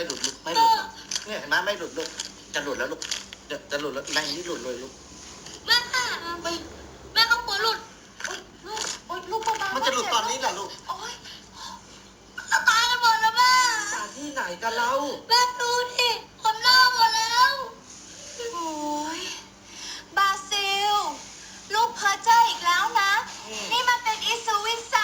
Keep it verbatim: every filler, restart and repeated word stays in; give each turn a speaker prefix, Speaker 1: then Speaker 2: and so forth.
Speaker 1: หลุดลูกไม่หลุดหรอกเนี่ยเห็นไหมไม่หลุดลูกจะหลุดแล้วลูกจะจะหลุดแล้วในนี้หลุดเลยลูก
Speaker 2: แม่ค่ะไปแม่ก็กลัวหลุดโอ๊ยลูกโอ๊ยลูกเบาๆ
Speaker 1: มันจะหลุดตอนนี้เหรอลูก
Speaker 2: โอ๊ยจะตายกันหมดแล้วแม่
Speaker 1: ตาที่ไหนกันเรา
Speaker 2: แม่ดูดิคนเน่าหมดแล้ว
Speaker 3: โอ้ยบาซิล ลูกเพ้อเจ้ออีกแล้วนะ นี่มันเป็นอิสุวิสั